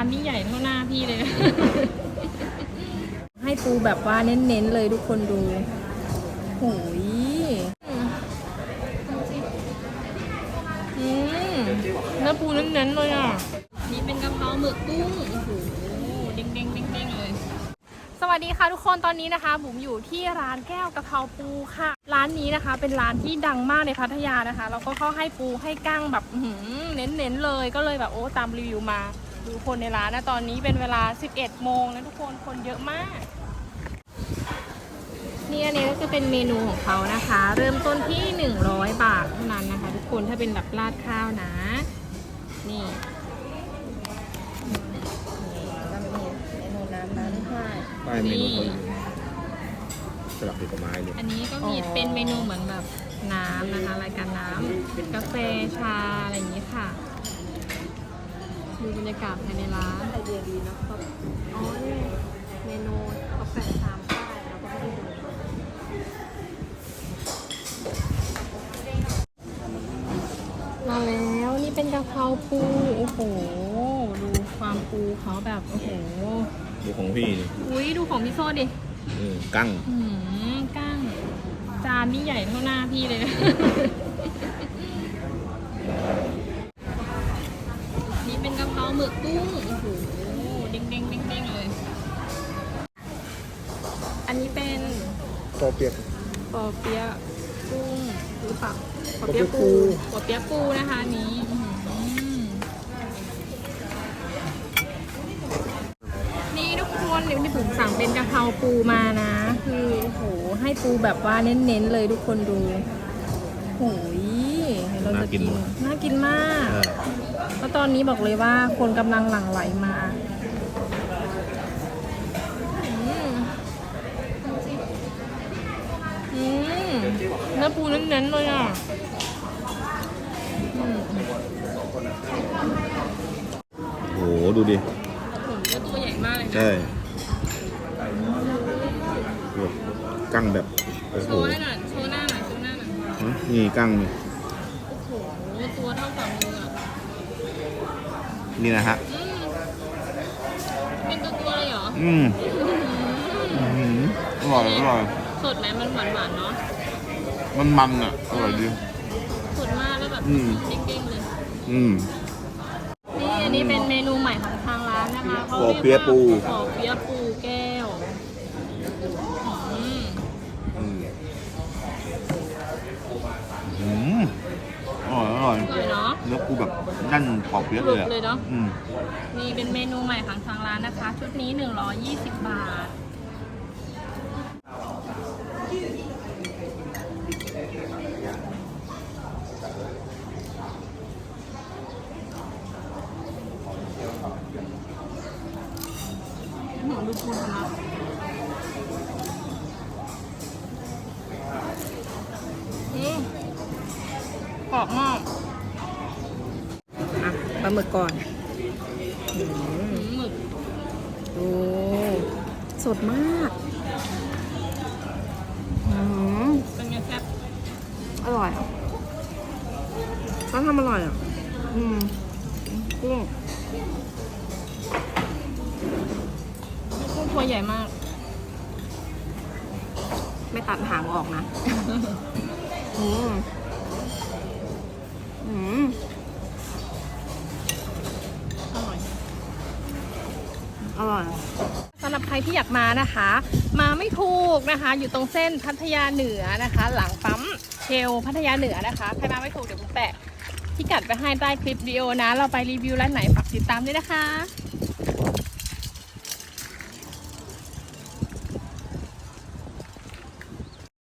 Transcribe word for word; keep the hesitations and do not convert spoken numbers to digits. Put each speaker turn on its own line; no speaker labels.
านนี่ใหญ่เท่าหน้าพี่เลย ให้ปูแบบว่าเน้นๆเลยทุกคนดูโอ้ยอืมเนื้อปูเน้นๆเลยอ่ะนี่เป็นกะเพราหมึกกุ้งโอ้โหเด้งๆเด้งๆเลยสวัสดีค่ะทุกคนตอนนี้นะคะบุ๋มอยู่ที่ร้านแก้วกะเพราปูค่ะร้านนี้นะคะเป็นร้านที่ดังมากในพัทยานะคะแล้วก็เขาให้ปูให้กั้งแบบเน้นๆเลยก็เลยแบบโอ้ตามรีวิวมาดูคนในร้านนะตอนนี้เป็นเวลาสิบเอ็ดโมงนะทุกคนคนเยอะมากนี่อันนี้ก็จะเป็นเมนูของเขานะคะเริ่มต้นที่หนึ่งร้อยบาทเท่านั้นนะคะทุกคนถ้าเป็นแบบราดข้าวนะนี่ก็มีเมนูน้ำน้ำค่ะ
ป้ายเมนูคนสลับผลไม้เนี่ย
อันนี้ก็มีเป็นเมนูเหมือนแบบน้ำนะคะรายการน้ำกาแฟชาอะไรอย่างนี้ค่ะดูบรรยากาศภายในร้านไอเดียดีนะครับอ๋อนี่เมนูกาแฟชามป้ายเราก็ไม่ได้ดูมาแล้วนี่เป็นกะเพราปูโอ้โหดูความปูเขาแบบโอ้โห
ดูของพี่นี่
อุ้ยดูของพี่โซ่ดิ
อืมกั้ง
อืมกั้งจานนี่ใหญ่เท่าหน้าพี่เลยนี่เป็นกะเพราหมึกกุ้งโอ้โหเด้งเด้งเด้งเด้งเลยอันนี้เป็น
ปอเปี๊ยะ
ปอเปี๊ยะกุ้งหรือเปล่าปอเปี๊ยะปูปอเปี๊ยะปูนะคะนี้นี่ทุกคนเดี๋ยวที่ผมสั่งเป็นกะเพราปูมานะคือโอ้โหให้ปูแบบว่าเน้นๆเลยทุกคนดูโอ้ยเราจะกินน่ากินมากแล้วตอนนี้บอกเลยว่าคนกำลังหลั่งไหลมาอืมเนื้อปูเน้นๆเลยอ่ะ
โอ้โหดูดิ
ผมก็ตัวใหญ่มากเลยนะ
ใช่กั้งแบบ
โชว์ให้หน่อยโชว์หน้าหน่อยโชว์หน้าหน่อย
นี่กั้งนี่
โอ้โหตัวเท่าฝ่ามืออ่ะ
นี่นะฮะ
เป็นตัวตัวเลยเหรอ
อืมอร่อยอร่อย
สดไหมมันหวานหวานเนาะ
มันมันอ่ะอร่อยดี
สดมากแล้วแบบเด้งๆเลย
อืม
นี่อันนี้เป็นเมนูใหม่ของทางร้านนะคะเขา
ปอ
เรียก
เปี๊ยะปู
ว่าปอเปี๊ยะปูแก้วอืม
อืมอร่อยอร่อย
อร่อยเนาะ
เนื้อปูแบบนั่นปอเปี๊ยะเลยอ่ะ
เลยเนาะ
อืม
นี่เป็นเมนูใหม่ของทางร้านนะคะชุดนี้หนึ่งร้อยยี่สิบบาทหนูดูปูนะอืมกรอบมากอ่ะปลาหมึกก่อนหมึกดูสดมากอืมเป็นไงแซ่บอร่อยเขาทำอร่อยอ่ะอืมกุ้งกุ้งตัวใหญ่มากไม่ตัดหางออกนะอืมอืมอร่อยอร่อยสำหรับใครที่อยากมานะคะมาไม่ถูกนะคะอยู่ตรงเส้นพัทยาเหนือนะคะหลังปั๊มเชลพัทยาเหนือนะคะใครมาไม่ถูกเดี๋ยวผมแปะพิกัดไปให้ใต้คลิปวิดีโอนะเราไปรีวิวร้านไหนฝากติดตามด้วยนะคะ